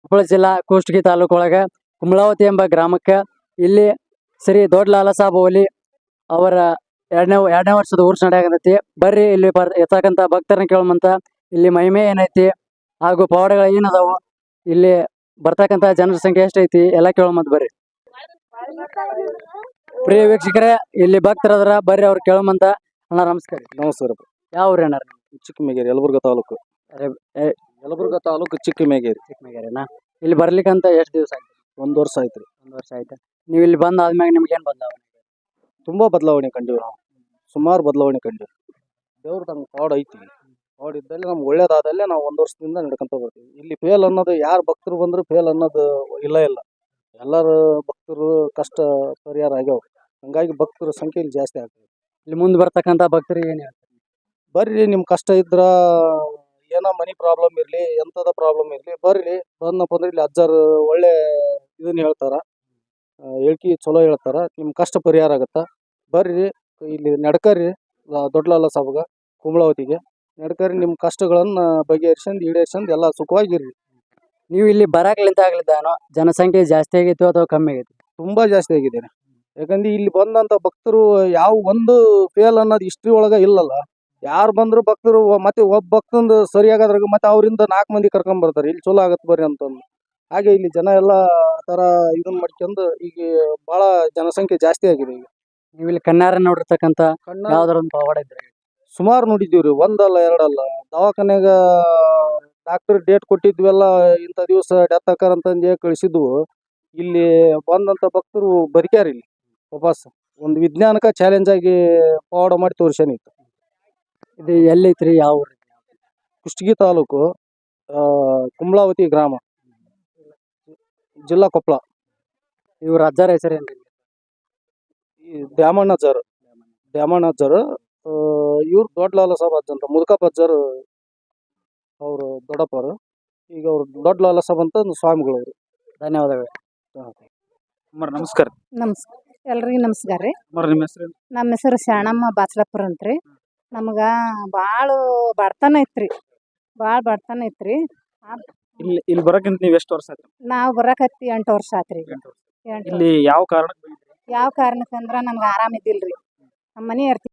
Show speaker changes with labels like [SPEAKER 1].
[SPEAKER 1] ಕೊಪ್ಪಳ ಜಿಲ್ಲಾ ಕುಷ್ಟಗಿ ತಾಲೂಕು ಒಳಗ ಕುಂಬಳಾವತಿ ಎಂಬ ಗ್ರಾಮಕ್ಕೆ ಇಲ್ಲಿ ಶ್ರೀ ದೊಡ್ಡ ಲಾಲಾ ಸಾಬ್ ಓಲಿ ಅವರ ಎರಡನೇ ವರ್ಷದ ಉರ್ಸ್ ನಡೆಯಾಕತೈತಿ. ಬರ್ರಿ ಇಲ್ಲಿ ಇರ್ತಕ್ಕಂಥ ಭಕ್ತರನ್ನ ಕೇಳುವಂತ ಇಲ್ಲಿ ಮಹಿಮೆ ಏನೈತಿ ಹಾಗೂ ಪವಾಡಗಳು ಏನದಾವು, ಇಲ್ಲಿ ಬರ್ತಕ್ಕಂಥ ಜನರ ಸಂಖ್ಯೆ ಎಷ್ಟೈತಿ ಎಲ್ಲ ಕೇಳೋಮಂತ ಬರ್ರಿ. ಪ್ರಿಯ ವೀಕ್ಷಕರೇ, ಇಲ್ಲಿ ಭಕ್ತರದ್ರ ಬರ್ರಿ ಅವ್ರು ಕೇಳೋಮಂತ. ಅಣ್ಣ ನಮಸ್ಕಾರ.
[SPEAKER 2] ನಮಸ್ಕಾರ.
[SPEAKER 1] ಯಾವ ಊರು ಅಣ್ಣ?
[SPEAKER 2] ಚಿಕ್ಕಮೇಗೇರಿ, ಯಲಬುರ್ಗಾ ತಾಲೂಕು. ಯಲಬುರ್ಗಾ ತಾಲೂಕು ಚಿಕ್ಕಮೇಗೇರಿ.
[SPEAKER 1] ಚಿಕ್ಕಮೇಗೇರಿನಾ? ಇಲ್ಲಿ ಬರ್ಲಿಕ್ಕಂತ ಎಷ್ಟು ದಿವಸ ಆಯ್ತು?
[SPEAKER 2] 1 ವರ್ಷ ಆಯ್ತ್ರಿ.
[SPEAKER 1] 1 ವರ್ಷ ಆಯ್ತಾ? ನೀವು ಇಲ್ಲಿ ಬಂದ ಆದ್ಮ್ಯಾಗ ನಿಮ್ಗೆ ಏನ್ ಬದಲಾವಣೆ?
[SPEAKER 2] ತುಂಬಾ ಬದಲಾವಣೆ ಕಂಡಿವಿ ನಾವು. ಸುಮಾರು ಬದಲಾವಣೆ ಕಂಡಿವಿ. ದೇವ್ರ ತಂಗ ಪಾಡ್ ಐತಿ. ಪಾಡ್ ಇದ್ದಲ್ಲಿ ನಮ್ಗೆ ಒಳ್ಳೇದಾದಲ್ಲೇ ನಾವು 1 ವರ್ಷದಿಂದ ನಡ್ಕೊಂತ ಬರ್ತೀವಿ. ಇಲ್ಲಿ ಫೇಲ್ ಅನ್ನೋದು ಯಾರು ಭಕ್ತರು ಬಂದ್ರು ಫೇಲ್ ಅನ್ನೋದು ಇಲ್ಲ. ಎಲ್ಲರೂ ಭಕ್ತರು ಕಷ್ಟ ಪರಿಹಾರ ಆಗ್ಯಾವ. ಹಂಗಾಗಿ ಭಕ್ತರ ಸಂಖ್ಯೆ ಇಲ್ಲಿ ಜಾಸ್ತಿ ಆಗ್ತದೆ.
[SPEAKER 1] ಇಲ್ಲಿ ಮುಂದೆ ಬರ್ತಕ್ಕಂಥ ಭಕ್ತರಿಗೆ ಏನ್ ಹೇಳ್ತಾರೆ?
[SPEAKER 2] ಬರ್ರಿ, ನಿಮ್ ಕಷ್ಟ ಇದ್ರ ಏನೋ ಮನಿ ಪ್ರಾಬ್ಲಮ್ ಇರ್ಲಿ, ಎಂತದ ಪ್ರಾಬ್ಲಮ್ ಇರ್ಲಿ, ಬರ್ರಿ. ಬಂದಪ್ಪ ಅಂದ್ರೆ ಇಲ್ಲಿ ಅಜ್ಜಾರು ಒಳ್ಳೆ ಇದನ್ನ ಹೇಳ್ತಾರ, ಹೇಳ್ಕಿ ಚಲೋ ಹೇಳ್ತಾರ. ನಿಮ್ ಕಷ್ಟ ಪರಿಹಾರ ಆಗತ್ತ. ಬರ್ರಿ ಇಲ್ಲಿ ನಡ್ಕರಿ ದೊಡ್ಡ ಲಾಲಾ ಸಾಬ್ಗ ಕುಂಬಳಾವತಿಗೆ ನಡ್ಕರಿ. ನಿಮ್ ಕಷ್ಟಗಳನ್ನ ಬಗೆಹರಿಸ್ಕೊಂಡು ಈಡೇರ್ಸ್ಕೊಂಡು ಎಲ್ಲ ಸುಖವಾಗಿರ್ರಿ.
[SPEAKER 1] ನೀವು ಇಲ್ಲಿ ಬರಾಕ್ಲಿಂತ ಆಗ್ಲಿದ್ದಾನೋ ಜನಸಂಖ್ಯೆ ಜಾಸ್ತಿ ಆಗಿತ್ತು ಅಥವಾ ಕಮ್ಮಿ ಆಗೈತಿ?
[SPEAKER 2] ತುಂಬಾ ಜಾಸ್ತಿ ಆಗಿದೆ. ಯಾಕಂದ್ರೆ ಇಲ್ಲಿ ಬಂದಂತ ಭಕ್ತರು ಯಾವ ಒಂದು ಫೇಲ್ ಅನ್ನೋದು ಹಿಸ್ಟ್ರಿ ಒಳಗ ಇಲ್ಲಲ್ಲ. ಯಾರು ಬಂದ್ರು ಭಕ್ತರು ಮತ್ತೆ ಒಬ್ಬ ಭಕ್ತಂದು ಸರಿಯಾಗದ್ರಾಗ ಮತ್ತೆ ಅವರಿಂದ 4 ಮಂದಿ ಕರ್ಕೊಂಡ್ ಬರ್ತಾರೆ, ಇಲ್ಲಿ ಚಲೋ ಆಗತ್ ಬರ್ರಿ ಅಂತಂದು. ಹಾಗೆ ಇಲ್ಲಿ ಜನ ಎಲ್ಲ ತರ ಇದನ್ನ ಮಾಡ್ಕೊಂಡು ಈಗ ಬಹಳ ಜನಸಂಖ್ಯೆ ಜಾಸ್ತಿ ಆಗಿದೆ. ಈಗ
[SPEAKER 1] ನೀವು ಇಲ್ಲಿ ಕಣ್ಣಾರ ನೋಡಿರ್ತಕ್ಕಂಥ ಯಾವ್ದಾರ ಒಂದು ಪವಾಡ ಇದ್ರೆ?
[SPEAKER 2] ಸುಮಾರು ನೋಡಿದ್ದೀವ್ರಿ, ಒಂದಲ್ಲ ಎರಡಲ್ಲ. ದವಾಖಾನೆಗ ಡಾಕ್ಟರ್ ಡೇಟ್ ಕೊಟ್ಟಿದ್ವೆಲ್ಲ, ಇಂಥ ದಿವಸ ಡೆತ್ ಆಕಾರ ಅಂತಂದು ಕಳಿಸಿದ್ವು. ಇಲ್ಲಿ ಬಂದಂತ ಭಕ್ತರು ಬದುಕ್ಯಾರ. ಇಲ್ಲಿ ವಾಪಸ್ ಒಂದು ವಿಜ್ಞಾನಕ ಚಾಲೆಂಜ್ ಆಗಿ ಪವಾಡ ಮಾಡಿ ತೋರಿಸ್ಯಾನಿತ್ತು.
[SPEAKER 1] ಇದು ಎಲ್ಲೈತ್ರಿ? ಯಾವ ಊರು?
[SPEAKER 2] ಕುಷ್ಟಗಿ ತಾಲೂಕು, ಕುಂಬಳಾವತಿ ಗ್ರಾಮ, ಜಿಲ್ಲಾ ಕೊಪ್ಪಳ.
[SPEAKER 1] ಇವ್ರ ಅಜ್ಜಾರ ಹೆಸರೇನ್ರಿ?
[SPEAKER 2] ದ್ಯಾಮಣ್ಣಜ್ಜರು. ಇವ್ರು ದೊಡ್ಡ ಲಾಲಾ ಸಾಬ್ ಅಜ್ಜ ಅಂತ, ಮುದುಕಪ್ಪ ಅಜ್ಜರು ಅವರು ದೊಡ್ಡಪ್ಪರು. ಈಗ ಅವ್ರು ದೊಡ್ಡ ಲಾಲಾ ಸಾಬ್ ಅಂತ ಸ್ವಾಮಿಗಳು ಅವರು.
[SPEAKER 1] ಧನ್ಯವಾದಗಳು.
[SPEAKER 2] ನಮಸ್ಕಾರ.
[SPEAKER 3] ನಮಸ್ಕಾರ ಎಲ್ರಿಗೂ ನಮಸ್ಕಾರ ರೀ.
[SPEAKER 2] ನಿಮ್ಮ ಹೆಸರು?
[SPEAKER 3] ನಮ್ಮ ಹೆಸರು ಶಾಣಮ್ಮ ಬಾಚ್ಲಪುರ ಅಂತ್ರಿ. ನಮ್ಗ ಭಾಳ ಬಡತನ ಐತ್ರಿ,
[SPEAKER 2] ಇಲ್ಲಿ ಬರಕ್ಕಿಂತ ನೀವು ಎಷ್ಟು ವರ್ಷ ಆಯ್ತು?
[SPEAKER 3] ನಾವು ಬರಕತ್ತಿ 8 ವರ್ಷ ಆತ್ರಿ.
[SPEAKER 2] ಇಲ್ಲಿ ಯಾವ ಕಾರಣ?
[SPEAKER 3] ಯಾವ ಕಾರಣಕ್ಕಂದ್ರ ನಮ್ಗೆ ಆರಾಮ ಇದ್ದಿಲ್ರಿ. ನಮ್ಮ ಮನೆ